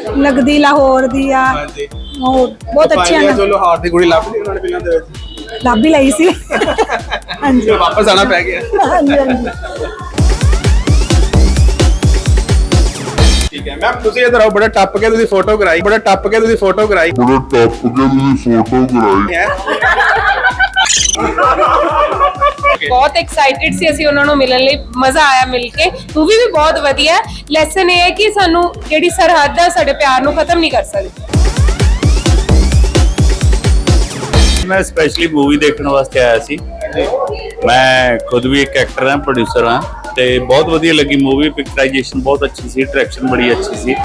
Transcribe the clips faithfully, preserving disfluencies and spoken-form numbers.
लगदी लाहौर दी आ ਹਾਂਜੀ ਉਹ ਬਹੁਤ ਅੱਛੀਆਂ ਨੇ। ਚਲੋ ਹਾਰ ਦੀ ਕੁੜੀ ਲੱਭ ਲਈ ਉਹਨਾਂ ਨੇ ਫਿਲਮ ਦੇ ਵਿੱਚ ਲੱਭ ਹੀ ਲਈ ਸੀ। ਹਾਂਜੀ ਫਿਰ ਵਾਪਸ ਆਣਾ ਪੈ ਗਿਆ। ਹਾਂਜੀ ਹਾਂਜੀ ਠੀਕ ਹੈ ਮੈਮ ਤੁਸੀਂ ਇਧਰ ਆਓ ਬੜਾ ਟੱਪ ਕੇ ਤੁਸੀਂ ਫੋਟੋ ਕਰਾਈ ਬੜਾ ਟੱਪ ਕੇ ਤੁਸੀਂ ਫੋਟੋ ਕਰਾਈ ਬੜਾ ਟੱਪ ਕੇ ਤੁਸੀਂ ਫੋਟੋ ਕਰਾਈ ਹੈ ਬਹੁਤ ਐਕਸਾਈਟਿਡ ਸੀ ਅਸੀਂ ਉਹਨਾਂ ਨੂੰ ਮਿਲਣ ਲਈ। ਮਜ਼ਾ ਆਇਆ ਮਿਲ ਕੇ। ਮੂਵੀ ਵੀ ਬਹੁਤ ਵਧੀਆ। ਲੈਸਨ ਇਹ ਹੈ ਕਿ ਸਾਨੂੰ ਜਿਹੜੀ ਸਰਹੱਦ ਹੈ ਸਾਡੇ ਪਿਆਰ ਨੂੰ ਖਤਮ ਨਹੀਂ ਕਰ ਸਕਦੀ। मैं स्पेशली मूवी देखने वास्ते आया सी। मैं खुद भी एक एक्टर हाँ, प्रोड्यूसर हाँ, ते बहुत वधिया लगी मूवी। पिक्चराइजेशन बहुत अच्छी सी, डायरेक्शन बड़ी अच्छी सी।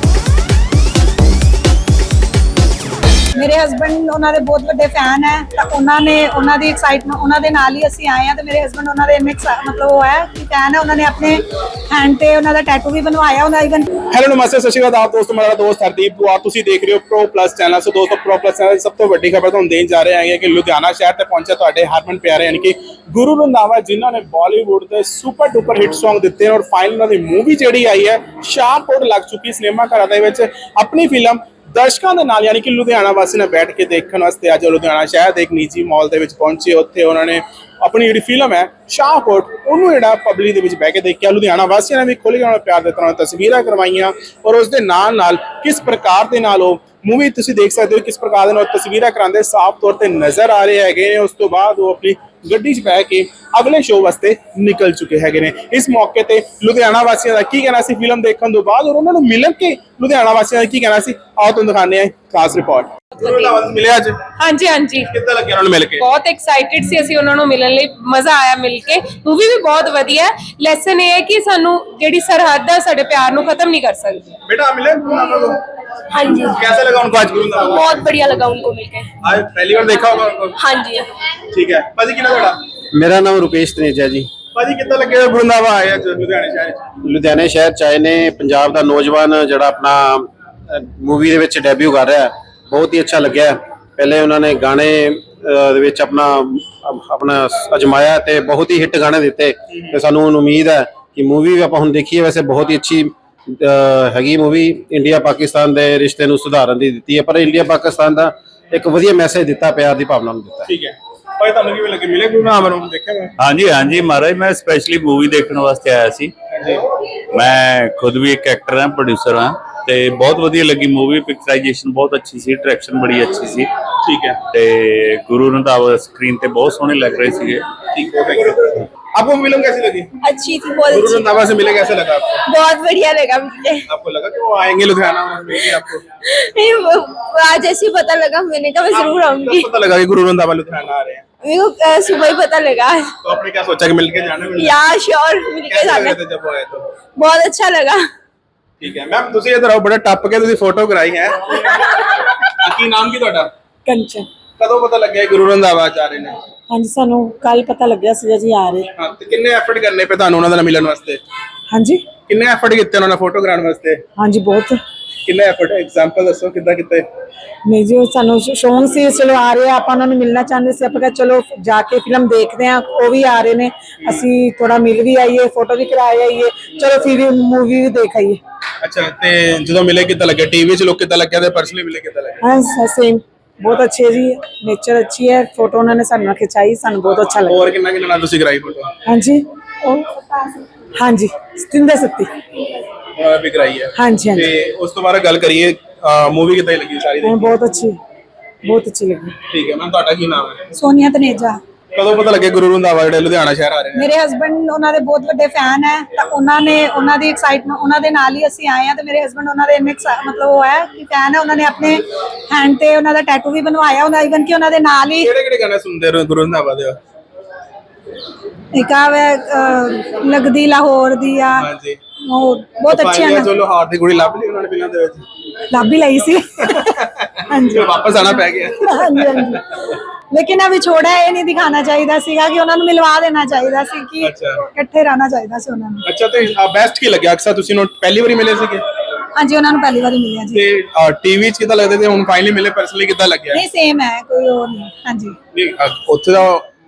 ਮੇਰੇ ਹਸਬੰਡ ਉਹਨਾਂ ਦੇ ਬਹੁਤ ਵੱਡੇ ਫੈਨ ਹੈ ਤਾਂ ਉਹਨਾਂ ਨੇ ਉਹਨਾਂ ਦੀ ਐਕਸਾਈਟਮੈਂਟ ਉਹਨਾਂ ਦੇ ਨਾਲ ਹੀ ਅਸੀਂ ਆਏ ਆ ਤੇ ਮੇਰੇ ਹਸਬੰਡ ਉਹਨਾਂ ਦੇ ਇੰਨੇ ਮਤਲਬ ਉਹ ਹੈ ਕਿ ਫੈਨ ਹੈ। ਉਹਨਾਂ ਨੇ ਆਪਣੇ ਹੈਂਡ ਤੇ ਉਹਨਾਂ ਦਾ ਟੈਟੂ ਵੀ ਬਣਵਾਇਆ ਉਹਨਾਂ ਇਵਨ। ਹੈਲੋ ਨਮਸਤੇ ਸਤਿ ਸ਼੍ਰੀ ਅਕਾਲ ਆਪ ਦੋਸਤੋ ਮੇਰਾ ਦੋਸਤ ਹਰਦੀਪ ਦੁਆਰ ਤੁਸੀਂ ਦੇਖ ਰਹੇ ਹੋ ਪ੍ਰੋ ਪਲੱਸ ਚੈਨਲ। ਸੋ ਦੋਸਤੋ ਪ੍ਰੋ ਪਲੱਸ ਚੈਨਲ ਦੀ ਸਭ ਤੋਂ ਵੱਡੀ ਖਬਰ ਤੁਹਾਨੂੰ ਦੇਣ ਜਾ ਰਹੇ ਹਾਂ ਕਿ ਲੁਧਿਆਣਾ ਸ਼ਹਿਰ ਤੇ ਪਹੁੰਚਿਆ ਤੁਹਾਡੇ ਹਰਮਨ ਪਿਆਰੇ ਯਾਨੀ ਕਿ ਗੁਰੂ ਰੰਧਾਵਾ ਜਿਨ੍ਹਾਂ ਨੇ ਬਾਲੀਵੁੱਡ ਦੇ ਸੁਪਰ ਡੁਪਰ ਹਿੱਟ Song ਦਿੱਤੇ ਨੇ ਔਰ ਫਾਈਨਲ ਉਹਨਾਂ ਦੀ ਮੂਵੀ ਜਿਹੜੀ ਆਈ ਹੈ ਸ਼ਾਹਕੋਟ ਲੱਗ ਚੁੱਕੀ ਸਿਨੇਮਾ ਘਰਾਂ ਦੇ ਵਿੱਚ ਆਪਣੀ ਫਿਲਮ ਦਰਸ਼ਕਾਂ ਦੇ ਨਾਲ ਯਾਨੀ ਕਿ ਲੁਧਿਆਣਾ ਵਾਸੀ ਨੇ ਬੈਠ ਕੇ ਦੇਖਣ ਵਾਸਤੇ ਅੱਜ ਲੁਧਿਆਣਾ ਸ਼ਹਿਰ ਦੇ ਇੱਕ ਨਿੱਜੀ ਮਾਲ ਦੇ ਵਿੱਚ ਪਹੁੰਚੇ। ਉੱਥੇ ਉਹਨਾਂ ਨੇ ਆਪਣੀ ਜਿਹੜੀ ਫਿਲਮ ਹੈ ਸ਼ਾਹਕੋਟ ਉਹਨੂੰ ਜਿਹੜਾ ਪਬਲਿਕ ਦੇ ਵਿੱਚ ਬਹਿ ਕੇ ਦੇਖਿਆ। ਲੁਧਿਆਣਾ ਵਾਸੀਆਂ ਨੇ ਵੀ ਖੁੱਲ੍ਹ ਕੇ ਉਹਨਾਂ ਨੂੰ ਪਿਆਰ ਦਿੱਤਾ, ਉਹਨਾਂ ਨੇ ਤਸਵੀਰਾਂ ਕਰਵਾਈਆਂ ਔਰ ਉਸ ਦੇ ਨਾਲ ਨਾਲ ਕਿਸ ਪ੍ਰਕਾਰ ਦੇ ਨਾਲ ਉਹ ਮੂਵੀ ਤੁਸੀਂ ਦੇਖ ਸਕਦੇ ਹੋ ਕਿਸ ਪ੍ਰਕਾਰ ਦੇ ਨਾਲ ਤਸਵੀਰਾਂ ਕਰਾਉਂਦੇ ਸਾਫ਼ ਤੌਰ ਤੇ ਨਜ਼ਰ ਆ ਰਹੇ ਹੈਗੇ ਨੇ। ਉਸ ਤੋਂ ਬਾਅਦ ਉਹ ਆਪਣੀ ਗੱਡੀ 'ਚ ਬਹਿ ਕੇ ਅਗਲੇ ਸ਼ੋਅ ਵਾਸਤੇ ਨਿਕਲ ਚੁੱਕੇ ਹੈਗੇ ਨੇ। ਇਸ ਮੌਕੇ ਤੇ ਲੁਧਿਆਣਾ ਵਾਸੀਆਂ ਦਾ ਕੀ ਕਹਿਣਾ ਸੀ ਫਿਲਮ ਦੇਖਣ ਤੋਂ ਬਾਅਦ ਔਰ ਉਹਨਾਂ ਨੂੰ ਮਿਲਣ ਕੇ ਲੁਧਿਆਣਾ ਵਾਸੀਆਂ ਦਾ ਕੀ ਕਹਿਣਾ ਸੀ ਆਓ ਤੁਹਾਨੂੰ ਦਿਖਾਉਂਦੇ ਹਾਂ ਖਾਸ ਰਿਪੋਰਟ। ਮਿਲਿਆ ਅੱਜ ਹਾਂਜੀ ਹਾਂਜੀ ਕਿੱਦਾਂ ਲੱਗਿਆ ਉਹਨਾਂ ਨੂੰ ਮਿਲ ਕੇ? ਬਹੁਤ ਐਕਸਾਈਟਿਡ ਸੀ ਅਸੀਂ ਉਹਨਾਂ ਨੂੰ ਮਿਲਣ ਲਈ। ਮਜ਼ਾ ਆਇਆ ਮਿਲ ਕੇ। ਮੂਵੀ ਵੀ ਬਹੁਤ ਵਧੀਆ। ਲੈਸਨ ਇਹ ਹੈ ਕਿ ਸਾਨੂੰ ਜਿਹੜੀ ਸਰਹੱਦ ਹੈ ਸਾਡੇ ਪਿਆਰ ਨੂੰ ਖਤਮ ਨਹੀਂ ਕਰ ਸਕਦੀ। बेटा मिले गुरुनामा को? हाँ जी कैसा लगा उनको आज गुरुनामा? बहुत बढ़िया लगा उनको मिलकर। आज पहली बार देखा होगा उनको? हाँ जी ठीक है भाजी कितना बड़ा ਮੇਰਾ ਨਾਮ ਰੁਪੇਸ਼ ਤਨੇਜਾ ਜੀ। ਭਾਜੀ ਕਿੱਦਾਂ ਲੱਗਿਆ ਗੁਰਨਾਵਾ ਆਇਆ ਅੱਜ ਲੁਧਿਆਣੇ ਸ਼ਹਿਰ ਚ? ਲੁਧਿਆਣੇ ਸ਼ਹਿਰ ਚ ਆਏ ਨੇ। ਪੰਜਾਬ ਦਾ ਨੌਜਵਾਨ ਜਿਹੜਾ ਆਪਣਾ ਮੂਵੀ ਦੇ ਵਿੱਚ ਡੈਬਿਊ ਕਰ ਰਿਹਾ, ਬਹੁਤ ਹੀ ਅੱਛਾ ਲੱਗਿਆ। ਪਹਿਲੇ ਉਹਨਾਂ ਨੇ ਗਾਣੇ ਅਹ, ਦੇ ਵਿੱਚ ਆਪਣਾ ਆਪਣਾ ਅਜਮਾਇਆ ਤੇ ਬਹੁਤ ਹੀ ਹਿੱਟ ਗਾਣੇ ਦਿੱਤੇ ਤੇ ਸਾਨੂੰ ਉਮੀਦ ਹੈ ਕਿ ਮੂਵੀ ਵੀ ਆਪਾਂ ਹੁਣ ਦੇਖੀਏ। ਵੈਸੇ ਬਹੁਤ ਹੀ ਅੱਛੀ ਅਹ, ਹੈਗੀ ਮੂਵੀ। ਇੰਡੀਆ ਪਾਕਿਸਤਾਨ ਦੇ ਰਿਸ਼ਤੇ ਨੂੰ ਸੁਧਾਰਨ ਦੀ ਦਿੱਤੀ ਹੈ, ਪਰ ਇੰਡੀਆ ਪਾਕਿਸਤਾਨ ਦਾ ਇੱਕ ਵਧੀਆ ਮੈਸੇਜ ਦਿੱਤਾ, ਪਿਆਰ ਦੀ ਭਾਵਨਾ ਨੂੰ ਦਿੱਤਾ। ਠੀਕ ਹੈ ਭਾਈ ਤੁਹਾਨੂੰ ਕਿਵੇਂ ਲੱਗੇ ਮਿਲੇ ਗੁਰਨਾਮ ਨੂੰ ਦੇਖਿਆ ਮੈਂ? हाँ जी हाँ जी महाराज मैं स्पेशली मूवी देखने वास्ते आया सी। मैं खुद भी एक एक्टर हाँ, प्रोड्यूसर हाँ, ते बहुत वधिया लगी मूवी। पिक्चराइजेशन बहुत अच्छी सी, डायरेक्शन बड़ी अच्छी सी। ठीक है ते गुरु रंधावा स्क्रीन ते बहुत सोहने लग रहे सीगे। ठीक है थैंक यू। आपको फिल्म कैसी लगी? अच्छी थी बहुत गुरु रंधावा से मिले कैसा लगा आपको? बहुत बढ़िया लगा मुझे। आपको लगा कि वो आएंगे लुधियाना और मिलेंगे आपको? आज ऐसे ही पता लगा, मैंने कहा मैं जरूर आऊंगी। कब पता लगा कि गुरु रंधावा लुधियाना आ रहे हैं? मेरे को सुबह ही पता लगा। तो आपने क्या सोचा कि मिलके जाना है? यार श्योर मिलके कैसे लग जाना। रहे थे जब वो आए तो? बहुत अच्छा लगा। ठीक है मैम ਤੁਸੀਂ ਇਧਰ ਆਓ ਬੜਾ ਟੱਪ ਕੇ ਤੁਸੀਂ ਫੋਟੋ ਕਰਾਈ ਹੈ। ਕੀ ਨਾਮ ਕੀ ਤੁਹਾਡਾ? ਕੰਚਨ। ਕਦੋਂ ਪਤਾ ਲੱਗਿਆ ਗੁਰੂ ਰੰਧਾਵਾ ਜਾ ਰਹੇ ਨੇ? ਹਾਂਜੀ ਸਾਨੂੰ ਕੱਲ ਪਤਾ ਲੱਗਿਆ ਸੀ ਜੀ ਆ ਰਹੇ। ਹਾਂ ਤੇ ਕਿੰਨੇ ਐਫਰਟ ਕਰਨੇ ਪਏ ਤੁਹਾਨੂੰ ਉਹਨਾਂ ਨਾਲ ਮਿਲਣ ਵਾਸਤੇ? ਹਾਂਜੀ ਕਿੰਨੇ ਐਫਰਟ ਕੀਤੇ ਉਹਨਾਂ ਨਾਲ ਫੋਟੋ ਕਰਾਉਣ ਵਾਸਤੇ? ਹਾਂਜੀ ਬਹੁਤ। ਕਿੰਨੇ ਐਫਰਟ ਐਗਜ਼ਾਮਪਲ ਦੱਸੋ ਕਿੱਦਾਂ ਕੀਤੇ? ਨਹੀਂ ਜੀ ਸਾਨੂੰ ਸ਼ੌਂਕ ਸੀ ਚਲੋ ਆ ਰਹੇ ਆ, ਆਪਾਂ ਉਹਨਾਂ ਨੂੰ ਮਿਲਣਾ ਚਾਹੁੰਦੇ ਸੀ। ਆਪਾਂ ਕਿਹਾ ਚਲੋ ਜਾ ਕੇ ਫਿਲਮ ਦੇਖਦੇ ਆ, ਉਹ ਵੀ ਆ ਰਹੇ ਨੇ, ਅਸੀਂ ਥੋੜਾ ਮਿਲ ਵੀ ਆਈਏ, ਫੋਟੋ ਵੀ ਕਰਾ ਆਈਏ, ਚਲੋ ਫਿਰ ਮੂਵੀ ਵੀ ਦੇਖ ਆਈਏ। ਅੱਛਾ ਤੇ ਜਦੋਂ ਮਿਲੇ ਕਿੱਦਾਂ ਲੱਗਿਆ? ਟੀਵੀ 'ਚ ਲੋਕ ਕਿੱਦਾਂ ਲੱਗਿਆ ਤੇ ਪਰਸਨਲੀ ਮਿਲੇ ਕਿੱਦਾਂ ਲੱਗਿਆ? ਹਾਂ ਸੇਮ ਬਹੁਤ ਅੱਛੇ ਜੀ, ਨੇਚਰ ਅੱਛੀ ਹੈ। ਫੋਟੋ ਉਹਨਾਂ ਨੇ ਸਾਨੂੰ ਖਿਚਾਈ, ਸਾਨੂੰ ਬਹੁਤ ਅੱਛਾ ਲੱਗਾ। ਹੋਰ ਕਿੰਨਾ ਕਿੰਨਾ ਨਾਲ ਤੁਸੀਂ ਕਰਾਈ ਫੋਟੋ? ਹਾਂਜੀ ਉਹ ਹਾਂਜੀ ਸਤਿੰਦਰ ਸੱਤੀ ਉਹਨਾਂ ਵੀ ਕਰਾਈ ਹੈ। ਹਾਂਜੀ ਹਾਂਜੀ ਤੇ ਉਸ ਤੋਂ ਬਾਅਦ ਗੱਲ ਕਰੀਏ ਮੂਵੀ ਕਿੱਦਾਂ ਲੱਗੀ ਸਾਰੀ? ਹਾਂ, ਬਹੁਤ ਅੱਛੀ ਬਹੁਤ ਅੱਛੀ ਲੱਗੀ। ਠੀਕ ਹੈ ਮੈਮ ਤੁਹਾਡਾ ਕੀ ਨਾਮ ਹੈ? ਸੋਨੀਆ ਤਨੇਜਾ। ਕਦੋਂ ਪਤਾ ਲੱਗਿਆ ਗੁਰੂ ਰੰਧਾਵਾ ਜਿਹੜੇ ਲੁਧਿਆਣਾ ਸ਼ਹਿਰ ਆ ਰਹੇ ਨੇ? ਮੇਰੇ ਹਸਬੰਡ ਉਹਨਾਂ ਦੇ ਬਹੁਤ ਵੱਡੇ ਫੈਨ ਹੈ ਤਾਂ ਉਹਨਾਂ ਨੇ ਉਹਨਾਂ ਦੀ ਐਕਸਾਈਟਮੈਂਟ ਉਹਨਾਂ ਦੇ ਨਾਲ ਹੀ ਅਸੀਂ ਆਏ ਆ ਤੇ ਮੇਰੇ ਹਸਬੰਡ ਉਹਨਾਂ ਦੇ ਇੰਨੇ ਮਤਲਬ ਉਹ ਹੈ ਕਿ ਫੈਨ ਹੈ। ਉਹਨਾਂ ਨੇ ਆਪਣੇ ਹੈਂਡ ਤੇ ਉਹਨਾਂ ਦਾ ਟੈਟੂ ਵੀ ਬਣਵਾਇਆ ਉਹਨਾਂ ਇਵਨ ਕਿ ਉਹਨਾਂ ਦੇ ਨਾਲ ਹੀ ਕਿਹੜੇ ਕਿਹੜੇ ਗਾਣੇ ਸੁਣਦੇ ਹੋ ਗੁਰੂ ਰੰਧਾਵਾ ਦੇ? ਇੱਕ ਆ ਲੱਗਦੀ ਲਾਹੌਰ ਦੀ ਆ ਹਾਂਜੀ ਉਹ ਬਹੁਤ ਅੱਛੀਆਂ ਨੇ। ਚਲੋ ਹਾਰ ਦੀ ਕੁੜੀ ਲੱਭ ਲਈ ਉਹਨਾਂ ਨੇ ਫਿਲਮ ਦੇ ਵਿੱਚ ਲੱਭ ਹੀ ਲਈ ਸੀ। ਹਾਂਜੀ ਫਿਰ ਵਾਪਸ ਆਣਾ ਪੈ ਗਿਆ। ਹਾਂਜੀ ਹਾਂਜੀ ਲੇਕਿਨ ਆ ਵਿਛੋੜਾ ਇਹ ਨਹੀਂ ਦਿਖਾਣਾ ਚਾਹੀਦਾ ਸੀਗਾ ਕਿ ਉਹਨਾਂ ਨੂੰ ਮਿਲਵਾ ਦੇਣਾ ਚਾਹੀਦਾ ਸੀ ਕਿ ਇਕੱਠੇ ਰਹਿਣਾ ਚਾਹੀਦਾ ਸੀ ਉਹਨਾਂ ਨੂੰ। ਅੱਛਾ ਤੇ ਬੈਸਟ ਕੀ ਲੱਗਿਆ? ਅਕਸਰ ਤੁਸੀਂ ਨੂੰ ਪਹਿਲੀ ਵਾਰੀ ਮਿਲੇ ਸੀਗੇ? ਹਾਂਜੀ ਉਹਨਾਂ ਨੂੰ ਪਹਿਲੀ ਵਾਰੀ ਮਿਲਿਆ ਜੀ। ਤੇ ਟੀਵੀ 'ਚ ਕਿੱਦਾਂ ਲੱਗਦੇ ਤੇ ਹੁਣ ਫਾਈਨਲੀ ਮਿਲੇ ਪਰਸਨਲੀ ਕਿੱਦਾਂ ਲੱਗਿਆ? ਨਹੀਂ ਸੇਮ ਹੈ, ਕੋਈ ਉਹ ਨਹੀਂ। ਹਾਂਜੀ ਨਹੀਂ ਉੱਥੇ ਦਾ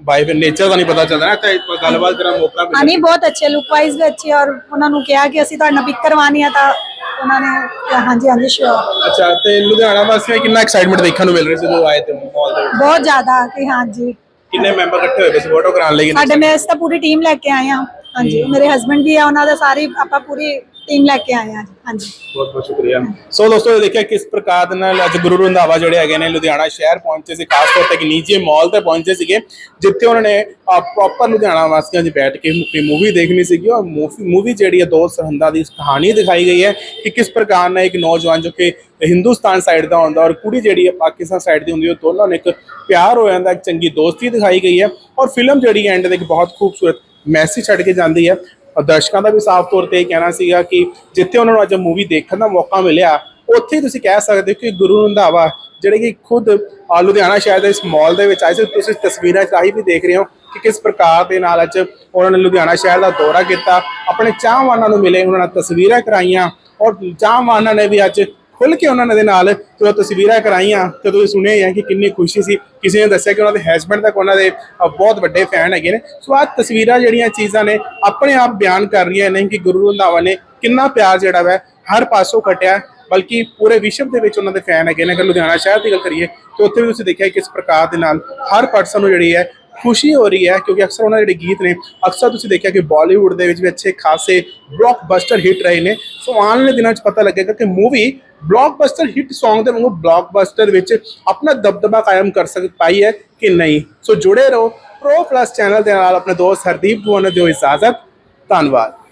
ਬਾਈ ਫਿਰ ਨੇਚਰ ਦਾ ਨਹੀਂ ਪਤਾ ਚੱਲਦਾ ਨਾ, ਤੇ ਗੱਲਬਾਤ ਕਰਨ ਦਾ ਮੌਕਾ ਹਾਂ ਮਿਲਿਆ। ਨਹੀਂ ਬਹੁਤ ਅੱਛੇ, ਲੁੱਕ ਵਾਈਜ਼ ਵੀ ਅੱਛੇ, ਔਰ ਉਹਨਾਂ ਨੂੰ ਕਿਹਾ ਕਿ ਅਸੀਂ ਤੁਹਾਡੇ ਨਾਲ ਪਿਕ ਕਰਵਾਉਣੀ ਆ ਤਾਂ ਉਹਨਾਂ ਨੇ ਕਿਹਾ ਹਾਂਜੀ ਹਾਂਜੀ ਸ਼ੋਰ। ਅੱਛਾ, ਤੇ ਲੁਧਿਆਣਾ ਵਾਸੀਆਂ ਨੂੰ ਕਿੰਨਾ ਐਕਸਾਈਟਮੈਂਟ ਦੇਖਣ ਨੂੰ ਮਿਲ ਰਿਹਾ ਸੀ ਜਦੋਂ ਆਏ ਤੇ ਮਾਲ ਦੇ ਵਿੱਚ? ਬਹੁਤ ਜ਼ਿਆਦਾ ਕਿ ਹਾਂਜੀ ਕਿੰਨੇ ਮੈਂਬਰ ਇਕੱਠੇ ਹੋਏ ਪਏ ਸੀ ਫੋਟੋ ਕਰਾਉਣ ਲਈ? ਸਾਡੇ ਮੈਂ ਇਸ ਤਾਂ ਪੂਰੀ ਟੀਮ ਲੈ ਕੇ ਆਏ ਹਾਂ। ਹਾਂਜੀ ਮੇਰੇ ਹਸਬੰਡ ਵੀ ਆ, ਉਹਨਾਂ ਦਾ ਸਾਰੀ ਆਪਾਂ ਪੂਰੀ ਟੀਮ ਲੈ ਕੇ ਆਏ ਹਾਂ ਜੀ। ਹਾਂਜੀ ਬਹੁਤ ਬਹੁਤ ਸ਼ੁਕਰੀਆ। ਸੋ ਦੋਸਤੋ ਦੇਖਿਆ ਕਿਸ ਪ੍ਰਕਾਰ ਦੇ ਨਾਲ ਅੱਜ ਗੁਰੂ ਰੰਧਾਵਾ ਜਿਹੜੇ ਹੈਗੇ ਨੇ ਲੁਧਿਆਣਾ ਸ਼ਹਿਰ ਪਹੁੰਚੇ ਸੀ, ਖਾਸ ਤੌਰ ਤੇ ਇੱਕ ਨੀਚੇ ਮਾਲ ਤੇ ਪਹੁੰਚੇ ਸੀਗੇ ਜਿੱਥੇ ਉਹਨਾਂ ਨੇ ਪ੍ਰੋਪਰ ਲੁਧਿਆਣਾ ਵਾਸੀਆਂ 'ਚ ਬੈਠ ਕੇ ਮੂਵੀ ਦੇਖਣੀ ਸੀਗੀ। ਔਰ ਮੂਵੀ ਜਿਹੜੀ ਹੈ ਦੋ ਸਰਹੰਦਾਂ ਦੀ ਕਹਾਣੀ ਦਿਖਾਈ ਗਈ ਹੈ ਕਿ ਕਿਸ ਪ੍ਰਕਾਰ ਨਾਲ ਇੱਕ ਨੌਜਵਾਨ ਜੋ ਕਿ ਹਿੰਦੁਸਤਾਨ ਸਾਈਡ ਦਾ ਹੁੰਦਾ ਔਰ ਕੁੜੀ ਜਿਹੜੀ ਹੈ ਪਾਕਿਸਤਾਨ ਸਾਈਡ ਦੀ ਹੁੰਦੀ ਹੈ, ਦੋਨਾਂ ਨੇ ਇੱਕ ਪਿਆਰ ਹੋ ਜਾਂਦਾ, ਇੱਕ ਚੰਗੀ ਦੋਸਤੀ ਦਿਖਾਈ ਗਈ ਹੈ। ਔਰ ਫਿਲਮ ਜਿਹੜੀ ਐਂਡ ਦੇ ਇੱਕ ਬਹੁਤ ਖੂਬਸੂਰਤ ਮੈਸੇਜ ਛੱਡ ਕੇ ਜਾਂਦੀ ਹੈ। ਔਰ ਦਰਸ਼ਕਾਂ ਦਾ ਵੀ ਸਾਫ਼ ਤੌਰ ਤੇ ਇਹ ਕਹਿਣਾ ਸੀਗਾ ਕਿ ਜਿੱਥੇ ਉਹਨਾਂ ਨੂੰ ਅੱਜ ਮੂਵੀ ਦੇਖਣ ਦਾ ਮੌਕਾ ਮਿਲਿਆ, ਉੱਥੇ ਤੁਸੀਂ ਕਹਿ ਸਕਦੇ ਹੋ ਕਿ ਗੁਰੂ ਰੰਧਾਵਾ ਜਿਹੜੇ ਕਿ ਖੁਦ ਲੁਧਿਆਣਾ ਸ਼ਹਿਰ ਦੇ ਇਸ ਮਾਲ ਦੇ ਵਿੱਚ ਆਏ ਸੀ। ਤੁਸੀਂ ਤਸਵੀਰਾਂ 'ਚ ਆਹੀ ਵੀ ਦੇਖ ਰਹੇ ਹੋ ਕਿ ਕਿਸ ਪ੍ਰਕਾਰ ਦੇ ਨਾਲ ਅੱਜ ਉਹਨਾਂ ਨੇ ਲੁਧਿਆਣਾ ਸ਼ਹਿਰ ਦਾ ਦੌਰਾ ਕੀਤਾ, ਆਪਣੇ ਚਾਹਵਾਨਾਂ ਨੂੰ ਮਿਲੇ, ਉਹਨਾਂ ਨਾਲ ਤਸਵੀਰਾਂ ਕਰਾਈਆਂ ਔਰ ਚਾਹਵਾਨਾਂ ਨੇ ਵੀ ਅੱਜ ਖੁੱਲ੍ਹ ਕੇ ਉਹਨਾਂ ਦੇ ਨਾਲ ਜਦੋਂ ਤਸਵੀਰਾਂ ਕਰਾਈਆਂ ਤੇ ਤੁਸੀਂ ਸੁਣਿਆ ਹੀ ਹੈ ਕਿ ਕਿੰਨੀ ਖੁਸ਼ੀ ਸੀ। ਕਿਸੇ ਨੇ ਦੱਸਿਆ ਕਿ ਉਹਨਾਂ ਦੇ ਹਸਬੈਂਡ ਤੱਕ ਉਹਨਾਂ ਦੇ ਬਹੁਤ ਵੱਡੇ ਫੈਨ ਹੈਗੇ ਨੇ। ਸੋ ਆਹ ਤਸਵੀਰਾਂ ਜਿਹੜੀਆਂ ਚੀਜ਼ਾਂ ਨੇ ਆਪਣੇ ਆਪ ਬਿਆਨ ਕਰ ਰਹੀਆਂ ਨੇ ਕਿ ਗੁਰੂ ਰੰਧਾਵਾ ਨੇ ਕਿੰਨਾ ਪਿਆਰ ਜਿਹੜਾ ਵਾ ਹਰ ਪਾਸੋਂ ਖਟਿਆ, ਬਲਕਿ ਪੂਰੇ ਵਿਸ਼ਵ ਦੇ ਵਿੱਚ ਉਹਨਾਂ ਦੇ ਫੈਨ ਹੈਗੇ ਨੇ। ਅਗਰ ਲੁਧਿਆਣਾ ਸ਼ਹਿਰ ਦੀ ਗੱਲ ਕਰੀਏ ਤਾਂ ਉੱਥੇ ਵੀ ਤੁਸੀਂ ਦੇਖਿਆ ਕਿਸ ਪ੍ਰਕਾਰ ਦੇ ਨਾਲ ਹਰ ਪਰਸਨ ਨੂੰ ਜਿਹੜੀ ਹੈ ਖੁਸ਼ੀ ਹੋ ਰਹੀ ਹੈ, ਕਿਉਂਕਿ ਅਕਸਰ ਉਹਨਾਂ ਦੇ ਜਿਹੜੇ ਗੀਤ ਨੇ ਅਕਸਰ ਤੁਸੀਂ ਦੇਖਿਆ ਕਿ ਬਾਲੀਵੁੱਡ ਦੇ ਵਿੱਚ ਵੀ ਅੱਛੇ ਖਾਸੇ ਬਲੌਕਬਸਟਰ ਹਿੱਟ ਰਹੇ ਨੇ। ਸੋ ਆਉਣ ਵਾਲੇ ਦਿਨਾਂ 'ਚ ਪਤਾ ਲੱਗੇਗਾ ਕਿ ਮੂਵੀ ਬਲੌਕਬਸਟਰ ਹਿੱਟ ਸੌਂਗ ਦੇ ਵਾਂਗੂ ਬਲੌਕਬਸਟਰ ਵਿੱਚ ਆਪਣਾ ਦਬਦਬਾ ਕਾਇਮ ਕਰ ਸਕ ਪਾਈ ਹੈ ਕਿ ਨਹੀਂ। ਸੋ ਜੁੜੇ ਰਹੋ ਪ੍ਰੋ ਪਲੱਸ ਚੈਨਲ ਦੇ ਨਾਲ। ਆਪਣੇ ਦੋਸਤ ਹਰਦੀਪ ਨੂੰ ਦਿਓ ਇਜਾਜ਼ਤ। ਧੰਨਵਾਦ।